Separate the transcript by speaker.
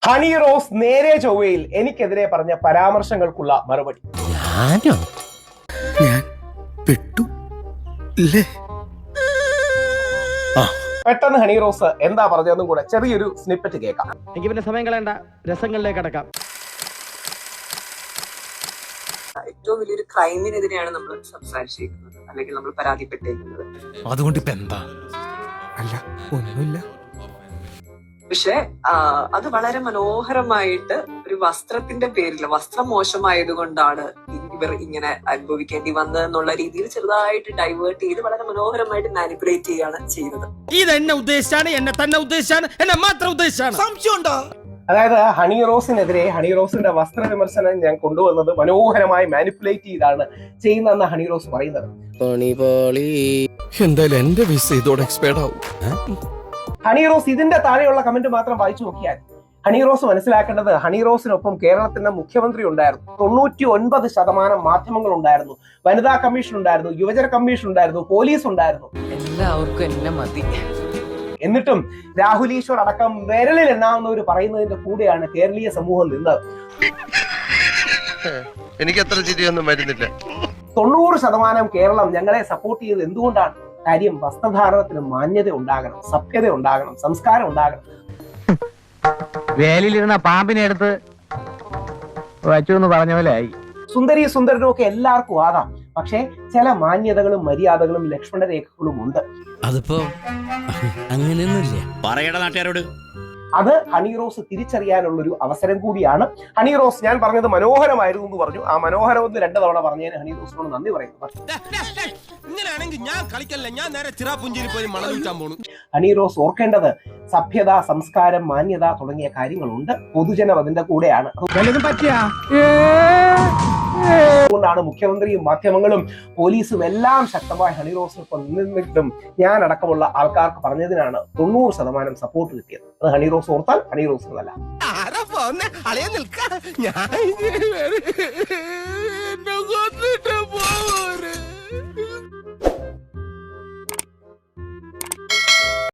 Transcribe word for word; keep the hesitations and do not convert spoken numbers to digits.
Speaker 1: Honey rose നേരെ ചൊവ്വയിൽ എനിക്കെതിരെ പറഞ്ഞ പരാമർശങ്ങൾക്കുള്ള മറുപടി.
Speaker 2: ഞാനോ ഞാൻ പെട്ടു ഇല്ലേ?
Speaker 1: പെട്ടെന്ന് ഹണി റോസ് എന്താ പറഞ്ഞതെന്നും കൂടെ ചെറിയൊരു സ്നിപ്പറ്റ് കേൾക്കാം.
Speaker 3: എനിക്ക് പിന്നെ സമയം കളയണ്ട, രസങ്ങളിലേക്ക് അടക്കാം.
Speaker 4: ഏറ്റവും വലിയൊരു ക്രൈമിനെതിരെയാണ് നമ്മൾ സംസാരിച്ചിരിക്കുന്നത്, അല്ലെങ്കിൽ നമ്മൾ പരാതിപ്പെട്ടിരിക്കുന്നത്.
Speaker 2: അതുകൊണ്ട് ഇപ്പൊ എന്താ? അല്ല ഒന്നുമില്ല.
Speaker 4: പക്ഷെ അത് വളരെ മനോഹരമായിട്ട് ഒരു വസ്ത്രത്തിന്റെ പേരിൽ, വസ്ത്രം മോശമായത് കൊണ്ടാണ് ഇവർ ഇങ്ങനെ അനുഭവിക്കേണ്ടി വന്നതെന്നുള്ള രീതിയിൽ ചെറുതായിട്ട് ഡൈവേർട്ട് ചെയ്ത് വളരെ മനോഹരമായിട്ട് മാനിപ്പുലേറ്റ് ചെയ്യാണ് ചെയ്യുന്നത്.
Speaker 2: ഇത് എന്നെ ഉദ്ദേശിച്ചാണ്, എന്നെ തന്നെ ഉദ്ദേശിച്ചാണ്, എന്നെ മാത്രം ഉദ്ദേശിച്ചാണ്. സംശയമുണ്ടോ?
Speaker 1: അതായത് ഹണി റോസിനെതിരെ ഹണി റോസിന്റെ വസ്ത്ര വിമർശനം ഞാൻ കൊണ്ടുവന്നത് മനോഹരമായി മാനിപ്പുലേറ്റ് ചെയ്താണ് ചെയ്യുന്നതെന്ന് ഹണി റോസ് പറയുന്നത്.
Speaker 2: എന്തായാലും എന്റെ വിസ ഇതോടെ എക്സ്പയർഡ് ആവും.
Speaker 1: ഹണി റോസ് ഇതിന്റെ താഴെയുള്ള കമന്റ് മാത്രം വായിച്ചു നോക്കിയാൽ ഹണി റോസ് മനസ്സിലാക്കേണ്ടത്, ഹണി റോസിനൊപ്പം കേരളത്തിന്റെ മുഖ്യമന്ത്രി ഉണ്ടായിരുന്നു, തൊണ്ണൂറ്റി ഒൻപത് ശതമാനം മാധ്യമങ്ങൾ ഉണ്ടായിരുന്നു, വനിതാ കമ്മീഷൻ ഉണ്ടായിരുന്നു, യുവജന കമ്മീഷൻ ഉണ്ടായിരുന്നു, പോലീസ് ഉണ്ടായിരുന്നു.
Speaker 5: എല്ലാവർക്കും എന്നെ മതി.
Speaker 1: എന്നിട്ടും രാഹുൽ ഈശ്വർ അടക്കം വിരലിൽ എണ്ണാവുന്നവർ പറയുന്നതിന്റെ കൂടെയാണ് കേരളീയ സമൂഹം നിന്നത്.
Speaker 6: എനിക്ക് അത്ര ചിരിയൊന്നും വരുന്നില്ല.
Speaker 1: തൊണ്ണൂറ് ശതമാനം കേരളം ഞങ്ങളെ സപ്പോർട്ട് ചെയ്തത് എന്തുകൊണ്ടാണ്? കാര്യം വസ്ത്രധാരണത്തിന് മാന്യത ഉണ്ടാകണം, സഭ്യത ഉണ്ടാകണം, സംസ്കാരം ഉണ്ടാകണം.
Speaker 3: വേലിലിരുന്ന പാമ്പിനെ എടുത്ത് വച്ചു എന്ന് പറഞ്ഞ പോലെ ആയി.
Speaker 1: സുന്ദരി സുന്ദരനും ഒക്കെ എല്ലാവർക്കും ആകാം, പക്ഷെ ചില മാന്യതകളും മര്യാദകളും ലക്ഷ്മണരേഖകളും ഉണ്ട്.
Speaker 7: അതിപ്പോ അങ്ങനെയൊന്നുമില്ല. പറയട നാട്ടുകാരോട്.
Speaker 1: അത് ഹണി റോസ് തിരിച്ചറിയാനുള്ളൊരു അവസരം കൂടിയാണ്. ഹണി റോസ്, ഞാൻ പറഞ്ഞത് മനോഹരമായിരുന്നു എന്ന് പറഞ്ഞു. ആ മനോഹരം ഒന്ന് രണ്ടു തവണ പറഞ്ഞതിന് ഹണി റോസിനോട് നന്ദി പറയുന്നു. ഹണി റോസ് ഓർക്കേണ്ടത്, സഭ്യത, സംസ്കാരം, മാന്യത തുടങ്ങിയ കാര്യങ്ങളുണ്ട്. പൊതുജനം അതിന്റെ കൂടെയാണ്. അതുകൊണ്ടാണ് മുഖ്യമന്ത്രിയും മാധ്യമങ്ങളും പോലീസും എല്ലാം ശക്തമായി ഹണി റോസിനൊപ്പം നിന്നിട്ടും ഞാൻ അടക്കമുള്ള ആൾക്കാർക്ക് പറഞ്ഞതിനാണ് തൊണ്ണൂറ് ശതമാനം സപ്പോർട്ട് കിട്ടിയത്. അത് ഹണി റോസ് ഓർത്താൽ ഹണി റോസിനല്ല.